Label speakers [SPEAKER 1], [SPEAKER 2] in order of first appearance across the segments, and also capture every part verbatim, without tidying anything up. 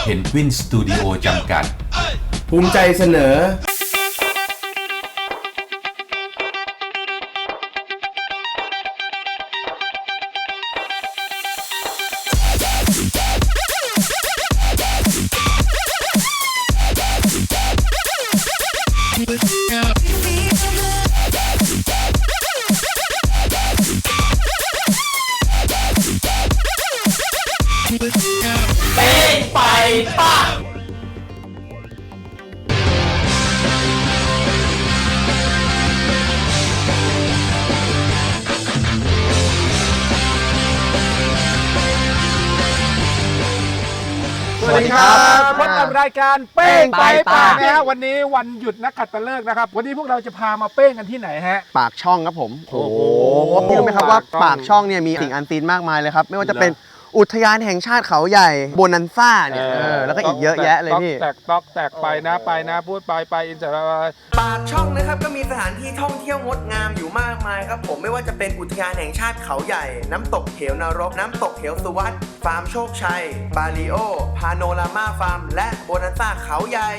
[SPEAKER 1] เพนกวินสตูดิโอจำกัด
[SPEAKER 2] ภูมิใจเสนอ
[SPEAKER 3] ไปป่ะ
[SPEAKER 4] สวัสดีครับพบกับรายการเป้งไปป่านะฮะวันนี้วันหยุดนักขัตฤกษ์นะครับวันนี้พวกเราจะพามาเป้งกันที่ไหนฮะ
[SPEAKER 5] ปากช่องครับผมโอ้โหพี่รู้ไหมครับว่าปากช่องเนี่ยมีสิ่งอันซีนมากมายเลยครับไม่ว่าจะเป็นอุทยานแห่งชาติเขาใหญ่โบนันซ่าเนี่ยแล้วก็อีกเยอะแยะเลยพี่
[SPEAKER 4] แตกตอกแตกไปนะไปนะพูดไปไปอินเตอร์
[SPEAKER 6] ปากช่องนะครับก็มีสถานที่ท่องเที่ยวงดงามอยู่มากมายครับผมไม่ว่าจะเป็นอุทยานแห่งชาติเขาใหญ่น้ำตกเหวนรกน้ำตกเหวสุวัสดิ์ฟาร์มโชคชัยบาริโอพาโนรามาฟาร์มและโบนันซ่าเขาใหญ่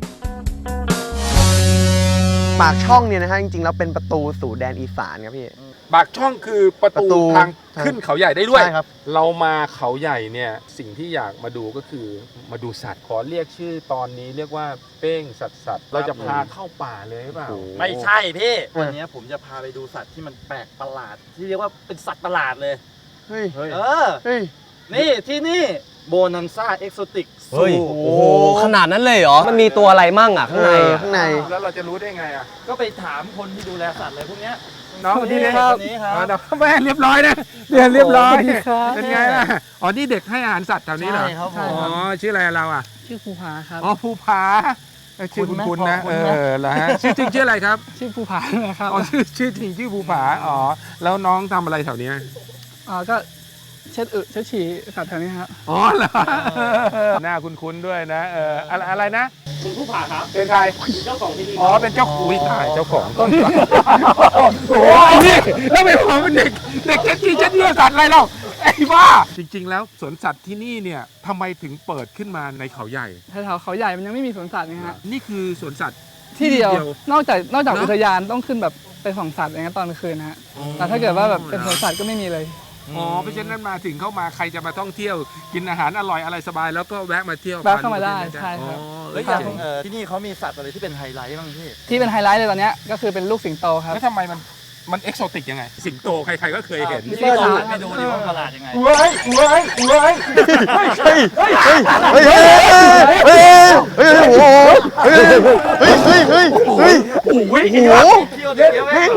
[SPEAKER 5] ปากช่องเนี่ยนะฮะจริงๆแล้วเป็นประตูสู่แดนอีสานครับพี่
[SPEAKER 4] ปากช่องคือประตูทางขึ้นเขาใหญ่ได้ด้วย
[SPEAKER 5] ใช่ครับ
[SPEAKER 4] เรามาเขาใหญ่เนี่ยสิ่งที่อยากมาดูก็คือมาดูสัตว์ขอเรียกชื่อตอนนี้เรียกว่าเป้งสัตว์สัตว์เราจะพาเข้าป่าเลยหรือเปล่า
[SPEAKER 3] ไม่ใช่พี่วันนี้ผมจะพาไปดูสัตว์ที่มันแปลกประหลาดที่เรียกว่าเป็นสัตว์ประหลาดเลย
[SPEAKER 5] เฮ้ย
[SPEAKER 3] เออ
[SPEAKER 5] เฮ้ย
[SPEAKER 3] นี่ที่นี่โบนันซ่าเอ็กโซติก
[SPEAKER 7] เฮ้ยโอ้โหขนาดนั้นเลยเหรอมันมีตัวอะไรมั่งอ่ะข้างใน
[SPEAKER 5] ข้างใน
[SPEAKER 4] แล้วเราจะรู้ได้ไงอ่ะ
[SPEAKER 3] ก็ไปถามคนที่ดูแลสัตว์เลยพวกเนี้ย
[SPEAKER 4] น้อง
[SPEAKER 3] นี่
[SPEAKER 4] ครับ
[SPEAKER 3] นี่ครับ
[SPEAKER 4] แม่เรียบร้อยนะเรียนเรียบร้อยเป็นไงล่ะอ๋อนี่เด็กให้อาหารสัตว์แถวนี้เหรอ
[SPEAKER 3] ใช่ครับ
[SPEAKER 4] อ๋อชื่ออะไรเราอ่ะ
[SPEAKER 7] ชื่อภูผาครับ
[SPEAKER 4] อ๋อภูผาชื่อคุณคุณนะเออเหรอฮะชื่อจริงชื่ออะไรครับ
[SPEAKER 7] ชื่อภูผานะครับ
[SPEAKER 4] อ๋อชื่อชื่อจริงชื่อภูผาอ๋อแล้วน้องทำอะไรแถวนี้
[SPEAKER 7] อ๋อก็เช็ดอึเช็ดฉี่สัตว์แถวนี้ครับ
[SPEAKER 4] อ๋อเหรอหน้าคุ้นๆด้วยนะเอออะไรนะ
[SPEAKER 3] คุณภูผาครับ
[SPEAKER 4] เป็นใคร
[SPEAKER 3] เจ้าของที่นี่
[SPEAKER 4] อ๋อเป็นเจ้าอุ้ยตายเจ้าของต้นโอ้ยนี่แล้วไม่พอเป็นเด็กเด็กเช็ดฉี่เช็ดเลือดสัตว์อะไรเล่าไอ้บ้าจริงๆแล้วสวนสัตว์ที่นี่เนี่ยทำไมถึงเปิดขึ้นมาในเขาใหญ่
[SPEAKER 7] แถวเขาใหญ่มันยังไม่มีสวนสัตว์นะฮะ
[SPEAKER 4] นี่คือสวนสัตว์
[SPEAKER 7] ที่เดียวนอกจากนอกจากอุทยานต้องขึ้นแบบไปส่องสัตว์อย่างนี้ตอนกลางคืนนะฮะแต่ถ้าเกิดว่าแบบเป็นสวนสัตว์ก็ไม่มีเลย
[SPEAKER 4] อ๋อเพราะฉะนั้นมาถึงเข้ามาใครจะมาท่องเที่ยวกินอาหารอร่อยอะไรสบายแล้วก็แวะมาเที่ยว
[SPEAKER 7] แวะเข้ามาได้ใช่ครับ
[SPEAKER 3] แล้วอย่างที่นี่เขามีสัตว์อะไรที่เป็นไฮไลท์บ้างพี่
[SPEAKER 7] ที่เป็นไฮไลท์เลยตอนนี้ก็คือเป็นลูกสิงโตครับ
[SPEAKER 4] แล้วทำไมมันมันเอกโซติกยังไงสิงโตใครๆก็เคยเห็น
[SPEAKER 3] พี่ลองไปดูดิว่าประหลาดยังไง
[SPEAKER 4] เว้ยเว้ยเว้ยเฮ้ยเฮ้ยเฮ้ย
[SPEAKER 5] เฮ้ยเฮ้ยเฮ้ยเฮ้ยโอ้โหเฮ้ยเฮ้ยเฮ้ยเฮ้ยเฮ้ยโอ้โห
[SPEAKER 3] เที่ยวเดียวเอง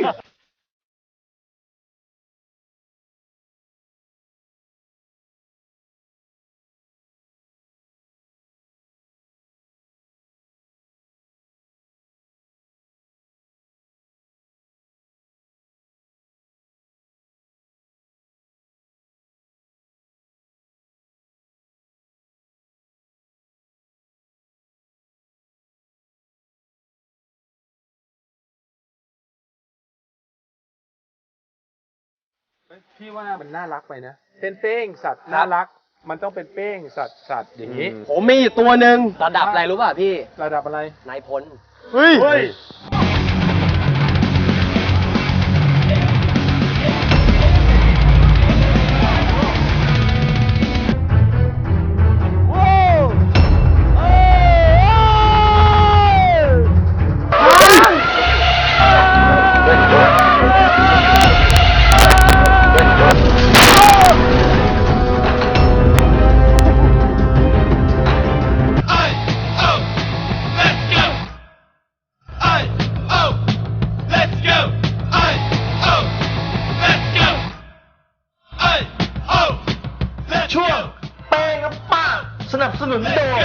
[SPEAKER 4] พี่ว่ามันน่ารักไปนะเป็นเป้งสัตว์น่ารักมันต้องเป็นเป้งสัตว์สัตว์อย่างนี้
[SPEAKER 7] ผมมีตัวหนึ่งระดับอะไรรู้ป่ะพี่
[SPEAKER 4] ระดับอะไร
[SPEAKER 7] นายพล
[SPEAKER 5] เฮ้ย
[SPEAKER 6] สนับสนุนโดย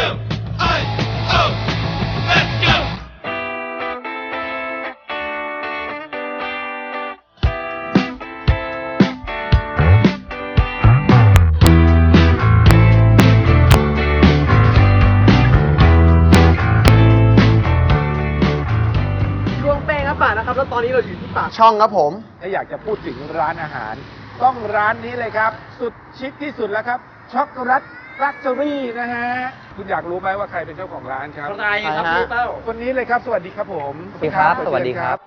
[SPEAKER 5] ช่วงเป้งครับป่านะครับแล้วตอนนี้เราอยู่ที่ปากช่องครับผม
[SPEAKER 4] ถ้าอยากจะพูดถึงร้านอาหารต้องร้านนี้เลยครับสุดชิคที่สุดแล้วครับช็อกโกแลต Factory นะฮะ คุณอยากรู้ไหมว่าใครเป็นเจ้าของร้านครับ
[SPEAKER 3] ใครครับ
[SPEAKER 5] ใครฮะ
[SPEAKER 3] พี่เต้า
[SPEAKER 4] คนนี้เลยครับ สวัสดีครับผม
[SPEAKER 5] สวัสดีครับสวัสดีครับ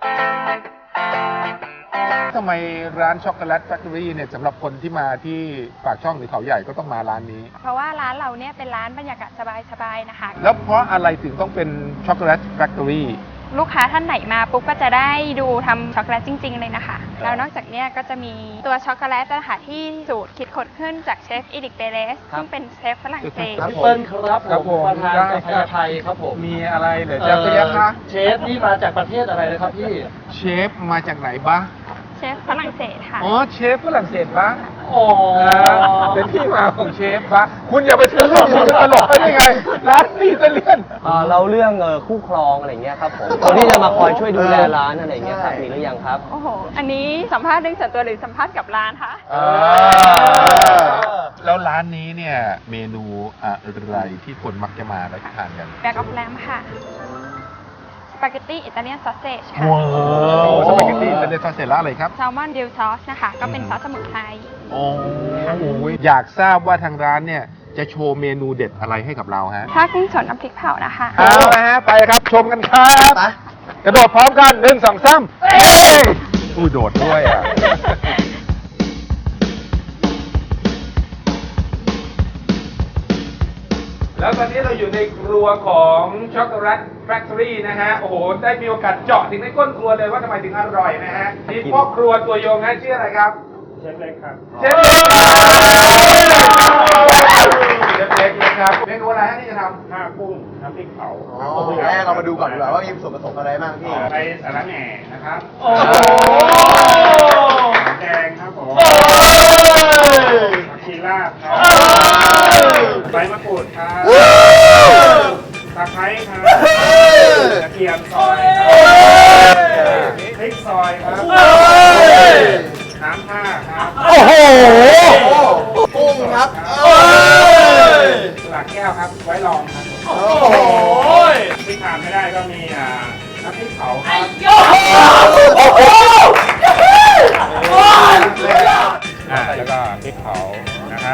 [SPEAKER 4] ทำไมร้านช็อกโกแลตแฟคทอรี่เนี่ยสำหรับคนที่มาที่ปากช่องหรือเขาใหญ่ก็ต้องมาร้านนี้
[SPEAKER 8] เพราะว่าร้านเราเนี่ยเป็นร้านบรรยากาศสบายๆนะคะ
[SPEAKER 4] แล้วเพราะอะไรถึงต้องเป็นช็อกโกแลตแฟคทอรี่
[SPEAKER 8] ลูกค้าท่านไหนมาปุ๊บก็จะได้ดูทำช็อกโกแลตจริง ๆ เลยนะคะ แล้วนอกจากเนี้ยก็จะมีตัวช็อกโกแลตนะคะที่สูตรคิดค้นขึ้นจากเชฟอีริกเปเรสซึ่งเป็นเชฟฝรั่งเศส
[SPEAKER 3] พี่เปิ้ลครับ
[SPEAKER 4] ครับ
[SPEAKER 3] ผ
[SPEAKER 4] ผม ม
[SPEAKER 3] ประธาน
[SPEAKER 4] ได้
[SPEAKER 3] กาแฟ
[SPEAKER 4] ครับ
[SPEAKER 3] ไทยครับผม
[SPEAKER 4] มีอะไรเหรือจะพยักคะ
[SPEAKER 3] เชฟนี่มาจากประเทศอะไรนะครับพี่
[SPEAKER 4] เชฟมาจากไหนบ้าง
[SPEAKER 8] เชฟฝรั่งเศสค่ะ
[SPEAKER 4] อ๋อเชฟฝรั่งเศสบ้าง
[SPEAKER 3] อ๋อ
[SPEAKER 4] เป็นที่มาของเชฟบ้างคุณอย่าไปซื้อเรื่องคุณตลกได้ยังไงร้านนี้จะเลี่ยน
[SPEAKER 5] เอ่อเราเรื่องเอ่อคู่ครองอะไรเงี้ยครับผมคนที่จะมาคอยช่วยดูแลร้านอะไรเงี้ยครับมีหรือยังครับ
[SPEAKER 8] โอ้โห อันนี้สัมภาษณ์เรื่องส่วนตัวหรือสัมภาษณ์กับร้านคะ
[SPEAKER 4] อ่าแล้วร้านนี้เนี่ยเมนูอะไรที่คนมักจะมาแล้วทานกัน
[SPEAKER 8] แบ็กออฟแลมค่ะสปาเกตตี้อิตาเลียนซอสเซจค่ะ
[SPEAKER 4] ว้าวสปาเกตตี้เป็นซอสเสร็จแล้วอะไรครับ
[SPEAKER 8] แซลมอนดิลซอสนะคะ ก็เป็นซอสสมุนไพร
[SPEAKER 4] โอ้โหอยากทราบว่าทางร้านเนี่ยจะโชว์เมนูเด็ดอะไรให้กับเราฮะ
[SPEAKER 8] ถ้ากุ้งสดน้ำพริกเผานะคะ
[SPEAKER 4] เอาละฮะไปครับชมกันครับกระโดดพร้อมกันหนึ่งสองสามเอ้ยอู้โดดด้วยอ่ะ แล้วตอนนี้เราอยู่ในครัวของช็อกโกแลตแฟคทอรี่นะฮะ โอ้โห ได้มีโอกาสเจาะถึงในก้นครัวเลยว่าทำไมถึงอร่อยนะฮะนี่พ่อครัวตัวยงฮะชื่ออะไรครับ เชฟเล็กครับ เชฟเล็กเชฟเล็กนะครับเมนูอะไรฮะที่จะทำข้าวกุ้งน้ำพริกเผา
[SPEAKER 5] แรกเรามาดูก่อนดีกว่าว่ามีส่วนผสมอะไรบ้างพี่
[SPEAKER 4] ไปสาระแหน่นะครับ
[SPEAKER 3] โอ้โห
[SPEAKER 4] แกงครับผม
[SPEAKER 3] โอ้ย
[SPEAKER 4] ผักชีลาบครับใบมะกรูดครับตะไคร้ครับกระเทียมซอยครับพริกซอยครับน้ำท่าครับ
[SPEAKER 5] โอ้โหกุ้งครับ
[SPEAKER 4] หลักแก้วครับไว้รองครับ
[SPEAKER 3] โอ้โห
[SPEAKER 4] ที่ขาดไม่ได้ก็มีอ่าน้ำพริกเผาครับ
[SPEAKER 3] โอ้โห
[SPEAKER 4] อ่าแล้วก็พริกเผานะครับ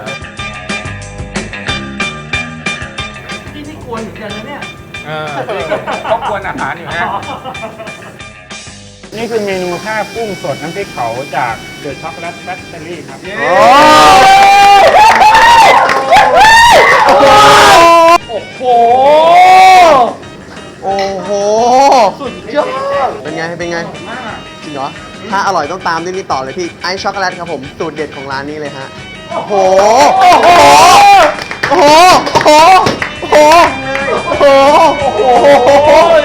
[SPEAKER 3] พี่นี่กวนเหมือนกันนะเนี่ย
[SPEAKER 4] เออต้องควรอาหารอยู่นะ นี่คือเมนูข้าวกุ้งสดน้ำพริกเผาจากเดอะช็อกโกแลตแฟคทอรี่ครับ
[SPEAKER 3] โอ้โห
[SPEAKER 5] โอ้โห
[SPEAKER 3] สุดยอด
[SPEAKER 5] เป็นไง เป็นไง จริงเหรอ ถ้าอร่อยต้องตามด้วยนี่ต่อเลยพี่ ไอซ์ช็อกโกแลตครับผม สูตรเด็ดของร้านนี้เลยฮะ โอ้โห โอ้โห โอ้โห โอ้โห โอ้โห โอ้โห โอ้โห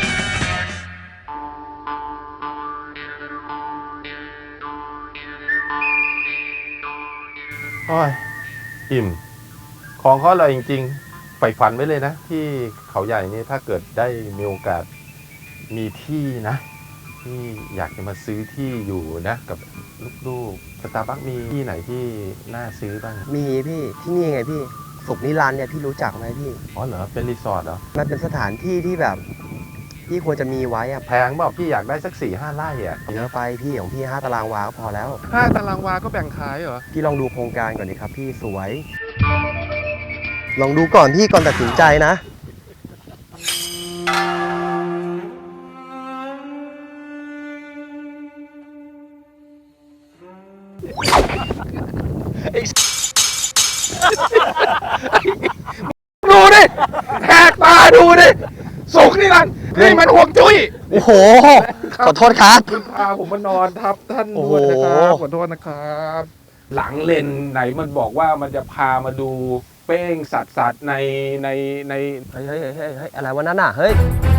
[SPEAKER 9] โอ้ยอิ่ม ของเขาอร่อยจริงๆใฝ่ฝันไว้เลยนะ ที่เขาใหญ่นี่ถ้าเกิดได้มีโอกาสมีที่นะ ที่อยากจะมาซื้อที่อยู่นะ กับลูกๆสตาร์บัคมีที่ไหนที่น่าซื้อบ้าง
[SPEAKER 5] มีพี่ ที่นี่ไงพี่ สุขนิรันดร์เนี่ยพี่รู้จักไหมพี่
[SPEAKER 9] อ๋อเหรอ เป็นรีสอร์ทเหรอ
[SPEAKER 5] มันเป็นสถานที่ที่แบบพี่ควรจะมีไว้อะ
[SPEAKER 9] แพงบอกพี่อยากได้สักสี่ห้าไร่อ่ะ
[SPEAKER 5] เยอะไปพี่ของพี่ห้าตารางวาก็พอแล้ว
[SPEAKER 9] ห้าตารางวาก็แบ่งขายเหรอ
[SPEAKER 5] พี่ลองดูโครงการก่อนดิครับพี่สวย ลองดูก่อนพี่ก่อนตัดสินใจนะ
[SPEAKER 4] ดูดิแหกตาดูดิสุกนี่นั่นนี่มันห่วงจุ้ย
[SPEAKER 5] โอ้โห ขอโทษครับ
[SPEAKER 4] คุณพาผมมานอนทับท่าน
[SPEAKER 5] โอ้
[SPEAKER 4] ด้
[SPEAKER 5] โห
[SPEAKER 4] วยนะครับขอโทษนะครับ หลังเลนไหนมันบอกว่ามันจะพามาดูเป้งสัตว์สัตว์ในในใน
[SPEAKER 5] เฮ้ยเฮ้ยเฮ้ยเฮ้ยเฮ้ยอะไรวะนั่นน่ะ เฮ้ย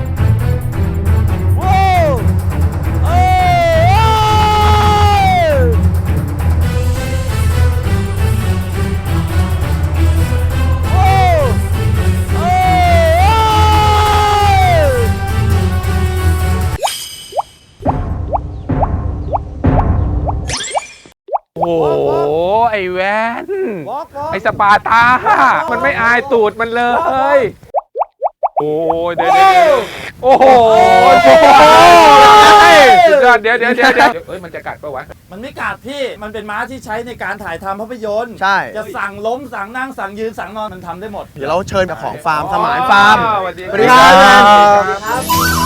[SPEAKER 4] โอ้โหไอ้แวนไอ้สปาร์ตามันไม่อายตูดมันเลย โอ้ยเดี๋ยวเดี๋ยวโอ้โหสุดยอดเดี๋ยวเดี๋ยวเดี๋ยวเดี๋ยวเฮ้ยมันจะกัดปะวะ
[SPEAKER 3] มันไม่กัดพี่ มันเป็นม้าที่ใช้ในการถ่ายทำภาพยนตร์
[SPEAKER 5] ใช่
[SPEAKER 3] จะสั่งล้มสั่งนั่งสั่งยืนสั่งนอนมันทำได้หมด
[SPEAKER 5] เดี๋ยวเราเชิญเจ้าของฟาร์มสมานฟาร์ม
[SPEAKER 4] สวัสดี
[SPEAKER 5] สวัสดีครับ
[SPEAKER 3] ครับ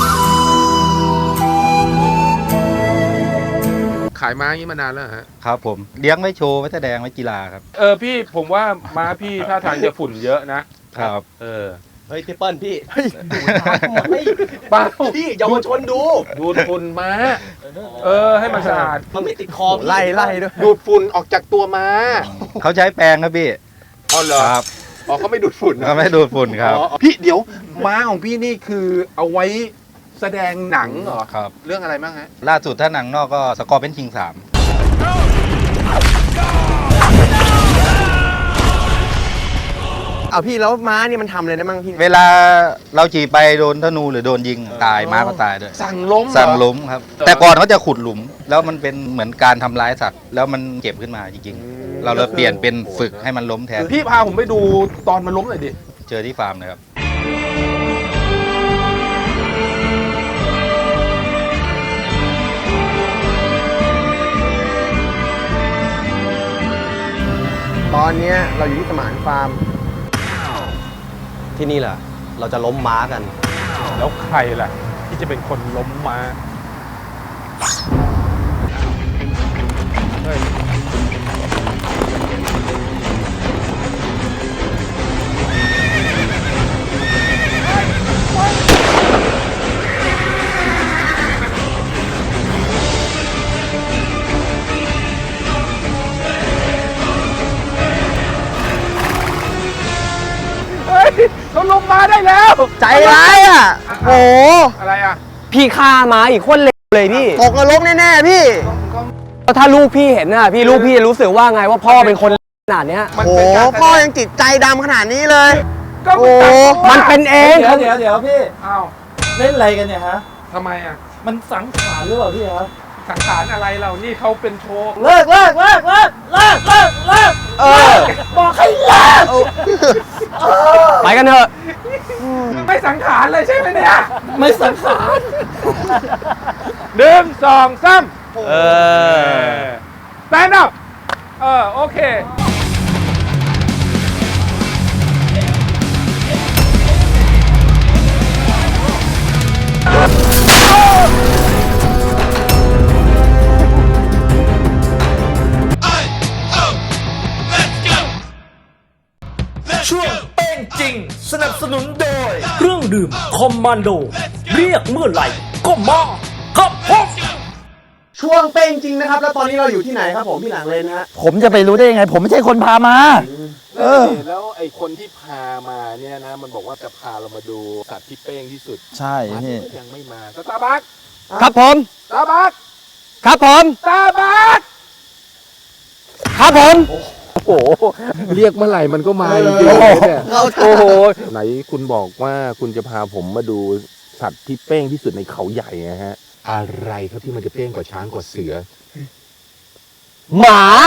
[SPEAKER 4] ขายม้าอย่างนี้มานานแล้วฮะ
[SPEAKER 10] ครับผมเลี้ยงไว้โชว์ไว้แสดงไว้กีฬาครับ
[SPEAKER 4] เออพี่ผมว่าม้าพี่ท่าทางจะฝุ่นเยอะนะครับ เออ
[SPEAKER 5] เฮ้ยพี่เปิ้ลพี่
[SPEAKER 4] เปล่า
[SPEAKER 5] พี่เยาวชนดู
[SPEAKER 4] ดูดฝุ่นม้าเออให้มันสะอาด
[SPEAKER 5] มันไม่ติดคอไล่ไล่ด้วย
[SPEAKER 4] ดูดฝุ่นออกจากตัวม้า
[SPEAKER 10] เขาใช้แปรงครับพี่
[SPEAKER 4] อ๋อเหรอ
[SPEAKER 10] ครับ
[SPEAKER 4] อ๋อเขาไม่ดูดฝุ่นนะ
[SPEAKER 10] เขาไม่ดูดฝุ่นครับ
[SPEAKER 4] อ๋อพี่เดี๋ยวม้าของพี่นี่คือเอาไว้แสดงหนังเหรอ
[SPEAKER 10] ครับ
[SPEAKER 4] เรื่องอะไรบ้างฮะ
[SPEAKER 10] ล่าสุดถ้าหนังนอกก็สกอร์เป็นคิงสาม
[SPEAKER 5] เอาพี่แล้วม้านี่มันทำอะไรได้บ้างพี่
[SPEAKER 10] เวลาเราขี่ไปโดนธนูหรือโดนยิงตายม้าก็ตายด้วย
[SPEAKER 4] สั่งล้มเหรอ
[SPEAKER 10] สั่งล้มครับ แต่ก่อนเขาจะขุดหลุม แล้วมันเป็นเหมือนการทำร้ายสัตว์ แล้วมันเจ็บขึ้นมาจริงๆ เราเลยเปลี่ยนเป็นฝึกให้มันล้มแทน
[SPEAKER 4] พี่พาผมไปดูตอนมันล้มหน่อยดิ
[SPEAKER 10] เจอที่ฟาร์มเลยครับ
[SPEAKER 5] ตอนเนี้ยเราอยู่ที่สมานฟาร์ม
[SPEAKER 11] ที่นี่แหละเราจะล้มม้ากัน
[SPEAKER 4] แล้วใครล่ะ ที่จะเป็นคนล้มม้าเฮ้ย เฮ้ยเขาลงมาได้แล้ว
[SPEAKER 5] ใจร้ายอ่ะโอ้
[SPEAKER 4] อะไรอ่ะ
[SPEAKER 11] พี่ฆ่าม้าอีกคนเลวเลยพี่
[SPEAKER 5] ตกนรกแน่ๆพี่
[SPEAKER 11] แล้วถ้าลูกพี่เห็นน่ะพี่ลูกพี่จะรู้สึกว่าไงว่าพ่อเป็นคนขนาดเนี้ย
[SPEAKER 4] มัน
[SPEAKER 5] โอ้
[SPEAKER 4] เป็นการ
[SPEAKER 5] พ่อยังจิตใจดำขนาดนี้เลย
[SPEAKER 4] ก็
[SPEAKER 5] โอ้
[SPEAKER 11] มันเป็นเอง
[SPEAKER 3] เดี๋ยวเดี๋ยวเดี๋ยวพี่
[SPEAKER 4] อ้าว
[SPEAKER 3] เล่นอะไรกันเนี่ยฮะ
[SPEAKER 4] ทำไมอ่ะ
[SPEAKER 3] มันสังขารหรือเปล่าพี่ฮะ
[SPEAKER 4] สังขารอะไรเรานี่เขาเป็นโชว์
[SPEAKER 3] เลิกเลิกเลิกเลิกเลิกเลิกเลิก
[SPEAKER 5] เออ
[SPEAKER 3] บอกให้เลิก
[SPEAKER 11] ไปกันเถอะ
[SPEAKER 4] ไม่สังขารเลยใช่ไหมเนี่ย
[SPEAKER 3] ไม่สังขาร
[SPEAKER 4] หนึ่งสองสาม
[SPEAKER 11] เออ
[SPEAKER 4] stand up เออโอเค
[SPEAKER 3] ช่วงเป้งจริง สนับสนุนโดย
[SPEAKER 12] เครื่องดื่มคอมมานโด เรียกเมื่อไหร่ก็มาครับผม
[SPEAKER 5] ช่วงเป้งจริงนะครับ แล้วตอนนี้เราอยู่ที่ไหนครับผมพี่หลังเลนนะฮะ
[SPEAKER 12] ผมจะไปรู้ได้ยังไง ผมไม่ใช่คนพามา
[SPEAKER 4] เออแล้วไอ้คนที่พามาเนี่ยนะ มันบอกว่าจะพาเรามาดูสัตว์ที่เป้งที่สุด
[SPEAKER 12] ใช่
[SPEAKER 4] มัน
[SPEAKER 12] พี่
[SPEAKER 4] ก็ยังไม่มาสตาร์บัค
[SPEAKER 11] ครับผม
[SPEAKER 4] สตาร์บัค
[SPEAKER 11] ครับผม
[SPEAKER 4] สตาร์บัค
[SPEAKER 11] ครับผม
[SPEAKER 4] โอ้โหเรียกเมื่อไหร่มันก็มาจริงๆเนี่ย
[SPEAKER 11] โอ้โห
[SPEAKER 4] ไหนคุณบอกว่าคุณจะพาผมมาดูสัตว์ที่เป้งที่สุดในเขาใหญ่นะฮะ อะไรครับที่มันจะเป้งกว่าช้างกว่าเสือ
[SPEAKER 11] หมา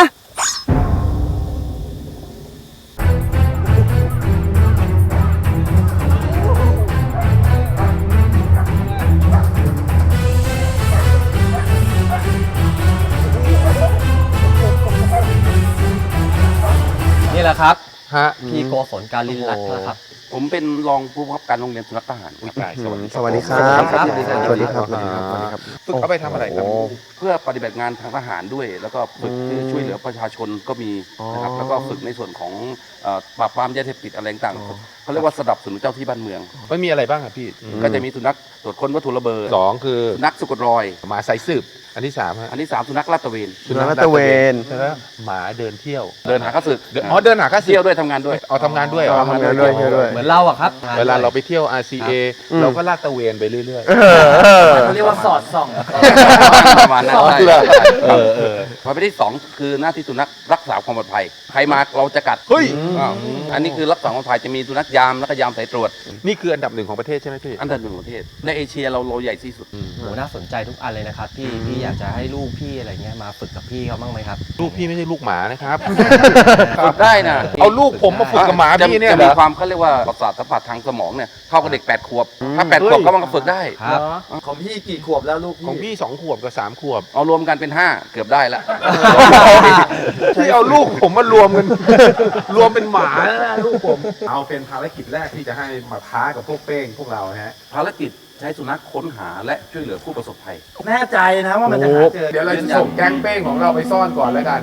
[SPEAKER 11] นี่แหละครับ
[SPEAKER 4] ฮะ
[SPEAKER 11] พี่โกศลการลินรัตน์นะครับ
[SPEAKER 1] ผมเป็นรองผู้บังคับการโรงเรียนสุนัขทหารอุ้ยตายสวัสดี
[SPEAKER 5] สวัสดีครับ
[SPEAKER 11] ครับ
[SPEAKER 5] สวัสดีครับ สวัสดีครับ สวัสดีครับ สวัสดีครับ
[SPEAKER 4] ฝึกเอาไปทำอะไรครับ
[SPEAKER 1] เพื่อปฏิบัติงานทางทหารด้วย แล้วก็ฝึกที่ช่วยเหลือประชาชนก็มีนะครับ แล้วก็ฝึกในส่วนของเอ่อปราบปรามยาเสพติดอะไรต่างๆเขาเรียกว่าสนับสนุนเจ้าที่บ้านเมือง
[SPEAKER 4] มันมีอะไรบ้างครับพี่
[SPEAKER 1] ก็จะมีสุนัขตรวจค้นวัตถุระเบิด
[SPEAKER 4] สองคือ
[SPEAKER 1] สุนัขสะกดรอย
[SPEAKER 4] หมาสายสืบ อันที่สามฮะ
[SPEAKER 1] อันที่สามสุนัขลาดตระเวน
[SPEAKER 5] สุนัขลาดตระเวน
[SPEAKER 4] แล้วหมาเดินเที่ยว
[SPEAKER 1] เดินหาข้าศึก
[SPEAKER 4] เดินอ๋อเดินหาข้าศึก
[SPEAKER 1] เที่ยวด้วยทำงานด้วย
[SPEAKER 4] เอาทำงานด้วยเหรอ
[SPEAKER 5] ทำงานด้วยเที่ยวด้วย
[SPEAKER 11] เหมือนเราอะครับ
[SPEAKER 4] เวลาเราไปเที่ยว อาร์ ซี เอ เราก็ลาดตระเวนไปเรื่อย
[SPEAKER 5] เออเออ
[SPEAKER 3] เขาเรียกว่าสอดส่อง
[SPEAKER 1] ประมาณนั้น
[SPEAKER 4] อ๋อ
[SPEAKER 1] ใช่
[SPEAKER 4] เหรอ
[SPEAKER 1] ใช่
[SPEAKER 4] เออเออ
[SPEAKER 1] พอไปที่สองคือหน้าที่สุนัขรักษาความปลอดภัยใครมาเราจะกัด
[SPEAKER 4] เฮ้ย
[SPEAKER 1] อ่าอันนี้คือรักษาความปลอดภัยจะมีสุนัขยามแล้วก็ยามสายตรวจ
[SPEAKER 4] นี่คืออันดับหนึ่งของประเทศใช่ไหมพี่
[SPEAKER 1] อันดับหนึ่งของประเทศในเอเชียเราเราใหญ่ที่สุด
[SPEAKER 11] โหน่าสนใจทุกอันเลยนะครับพี่พี่อยากจะให้ลูกพี่อะไรเงี้ยมาฝึกกับพี่เขาบ้างไหมครับ
[SPEAKER 4] ลูกพี่ไม่ใช่ลูกหมานะครับ
[SPEAKER 1] ฝึกได้นะ
[SPEAKER 4] เอาลูกผมมาฝึกกับหมา
[SPEAKER 1] จะ
[SPEAKER 4] พี่เนี่ย
[SPEAKER 1] จะ
[SPEAKER 4] เหร
[SPEAKER 1] มี
[SPEAKER 4] อ
[SPEAKER 1] ความเขาเรียกว่าประสาทสัมผัสทางสมองเนี่ยเท่ากับเด็กแปดขวบถ้าแปดขวบก็มันก็ฝึกได้
[SPEAKER 11] ครับ
[SPEAKER 3] ของพี่กี่ขวบแล้วลูก
[SPEAKER 4] ของพี่สองขวบกับสามขวบ
[SPEAKER 1] เอารวมกันเป็นห้าเกือบได้ละ
[SPEAKER 4] ที่เอาลูกผมมารวมกัน รวมเป็นหมาแล้วนะลูกผม เอาเป็นภารกิจแรกที่จะให้มาท้ากับพวกเป้งพวกเราฮะ
[SPEAKER 1] ภารกิจใช้สุนัขค้นหาและช่วยเหลือผู้ประสบภัย
[SPEAKER 3] แน่ใจนะว่ามันจะหาเจอ
[SPEAKER 4] เดี๋ยวเราจะส่งแก๊งเป้งของเราไปซ่อนก่อนแล้วกัน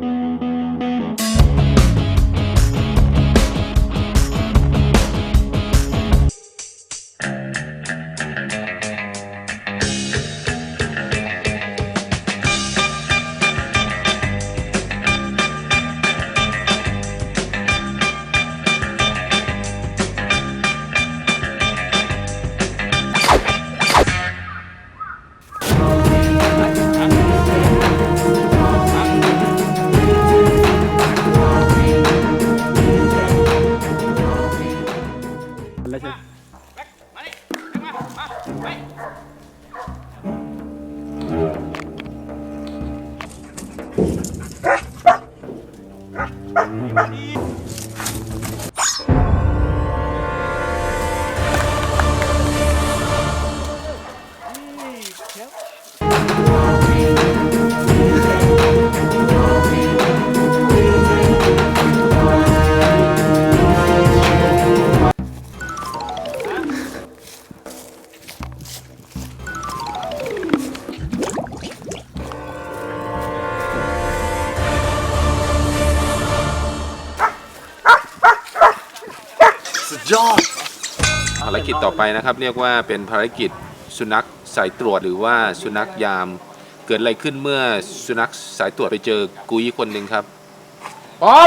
[SPEAKER 4] ภารกิจต่อไปนะครับเรียกว่าเป็นภารกิจสุนัขสายตรวจหรือว่าสุนัขยาม เกิดอะไรขึ้นเมื่อสุนัขสายตรวจไปเจอกุยคนหนึ่งครับพร้อม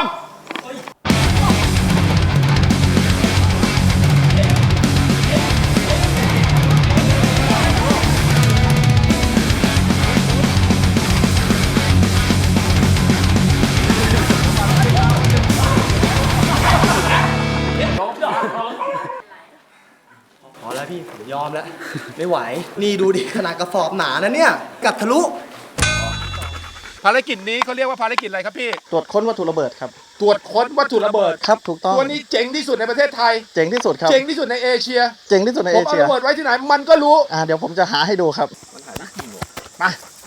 [SPEAKER 5] พอแล้วพี่ผมยอมแล้ว ไม่ไหว นี่ดูดิขนาดกระสอบหนานะเนี่ย กัดทะลุ
[SPEAKER 4] ภารกิจนี้เขาเรียกว่าภารกิจอะไรครับพี่
[SPEAKER 5] ตรวจค้นวัตถุระเบิดครับ
[SPEAKER 4] ตรวจค้นวัตถุระเบิด
[SPEAKER 5] ครับถูกต้อง
[SPEAKER 4] ตัวนี้เจ๋งที่สุดในประเทศไทย
[SPEAKER 5] เจ๋งที่สุดครับ
[SPEAKER 4] เจ๋งที่สุดในเอเชีย
[SPEAKER 5] เจ๋งที่สุดใน
[SPEAKER 4] ผ
[SPEAKER 5] เอ
[SPEAKER 4] มเอา
[SPEAKER 5] เชีย
[SPEAKER 4] ระเบิดไว้ที่ไหนมันก็รู้
[SPEAKER 5] อ่าเดี๋ยวผมจะหาให้ดูครับ
[SPEAKER 4] มา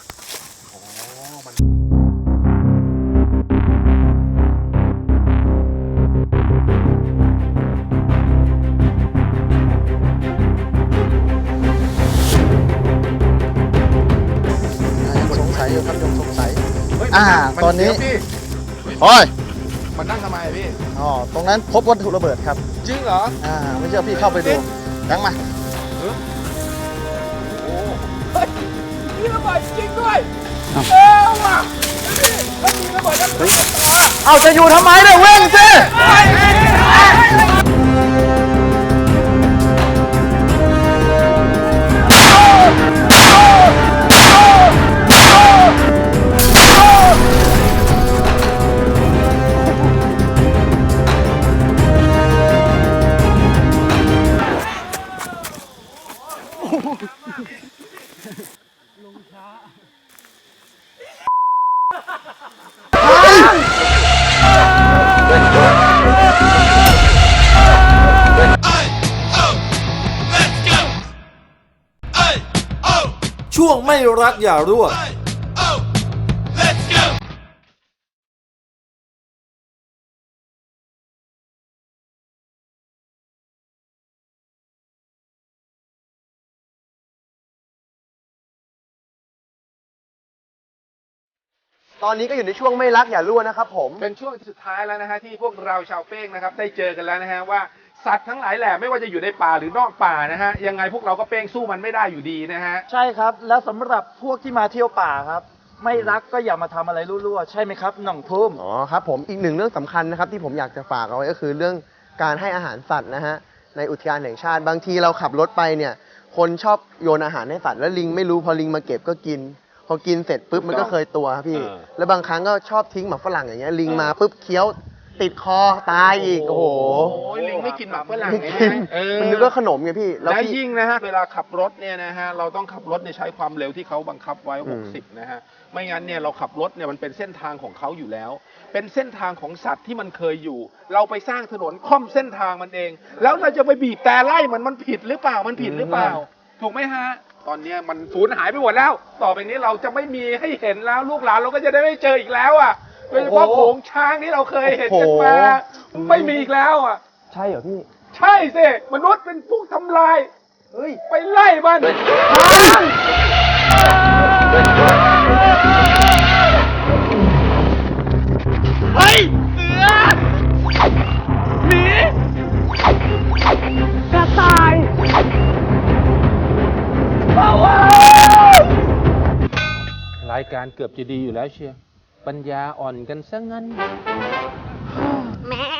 [SPEAKER 5] สงสัยอยู่ครับยังสงสัย
[SPEAKER 4] เฮ้ย
[SPEAKER 5] อ่า
[SPEAKER 4] มั
[SPEAKER 5] ตอนนี้
[SPEAKER 4] เดี๋ยวพี่
[SPEAKER 5] โอ้ย
[SPEAKER 4] มันนั่งทำไมอะพี่
[SPEAKER 5] อ๋อตรงนั้นพบวัตถุระเบิดครับ
[SPEAKER 4] จริงเหรอ
[SPEAKER 5] อ่าไม่เชื่อพี่เข้าไปดูยังมา
[SPEAKER 4] มีระเบิดจริงด้วยเออว่ะแล้วมีระเบิดแล้วมีระเบิด
[SPEAKER 5] เอาจะอยู่ทำไมเนี่ยเว้งสิช่วงไม่รักอย่ารั่ว ตอนนี้ก็อยู่ในช่วงไม่รักอย่ารั่วนะครับผม
[SPEAKER 4] เป็นช่วงสุดท้ายแล้วนะฮะที่พวกเราชาวเป้งนะครับได้เจอกันแล้วนะฮะว่าสัตว์ทั้งหลายแหล่ไม่ว่าจะอยู่ในป่าหรือนอกป่านะฮะยังไงพวกเราก็เป้งสู้มันไม่ได้อยู่ดีนะฮะ
[SPEAKER 3] ใช่ครับ แล้วสำหรับพวกที่มาเที่ยวป่าครับ ไม่รักก็อย่ามาทำอะไรรั่วๆ ใช่ไหมครับหน่องทุ่ม
[SPEAKER 5] อ๋อครับผมอีกหนึ่งเรื่องสำคัญนะครับที่ผมอยากจะฝากเอาไว้ก็คือเรื่องการให้อาหารสัตว์นะฮะในอุทยานแห่งชาติบางทีเราขับรถไปเนี่ยคนชอบโยนอาหารให้สัตว์แล้วลิงไม่รู้พอลิงมาเก็บก็กิน ผพอกินเสร็จปุ๊บมันก็เคยตัวครับพี่
[SPEAKER 4] เออ
[SPEAKER 5] แล้วบางครั้งก็ชอบทิ้งหมากฝรั่งอย่างเงี้ยลิงมาปุ๊บเคี้ยวติดคอตายอีกโอ้โห
[SPEAKER 4] โอ้ยลิงไม่กินหมากฝรั่ง
[SPEAKER 5] ไม่
[SPEAKER 4] ไง
[SPEAKER 5] กิน
[SPEAKER 4] เออ
[SPEAKER 5] มันนึกว่าขนมไงพี่
[SPEAKER 4] แล้ว
[SPEAKER 5] พี่
[SPEAKER 4] ยิ่งนะฮะเวลาขับรถเนี่ยนะฮะเราต้องขับรถเนี่ยใช้ความเร็วที่เขาบังคับไว้
[SPEAKER 5] อืม
[SPEAKER 4] หกสิบนะฮะไม่งั้นเนี่ยเราขับรถเนี่ยมันเป็นเส้นทางของเขาอยู่แล้ว เป็นเส้นทางของสัตว์ที่มันเคยอยู่ เราไปสร้างถนนค่อมเส้นทางมันเอง แล้วเราจะไปบีบแต่ไล่มันมันผิดหรือเปล่ามันผิดหรือเปล่า ถูกไหมฮะตอนเนี้ยมันสูญหายไปหมดแล้ว ต่อไปนี้เราจะไม่มีให้เห็นแล้วลูกหลานเราก็จะได้ไม่เจออีกแล้วอ่ะโดยเฉพาะโขงช้างที่เราเคยเห็นกันมาไม่มีอีกแล้วอ่ะ
[SPEAKER 11] ใช่เหรอพี่
[SPEAKER 4] ใช่สิมนุษย์เป็นผู้ทำลายเฮ้ยไปไล่มันเฮ้ยเสือหมีกระต่ายรายการเกือบจะดีอยู่แล้วเชียร์ปัญญาอ่อนกันซะงั้น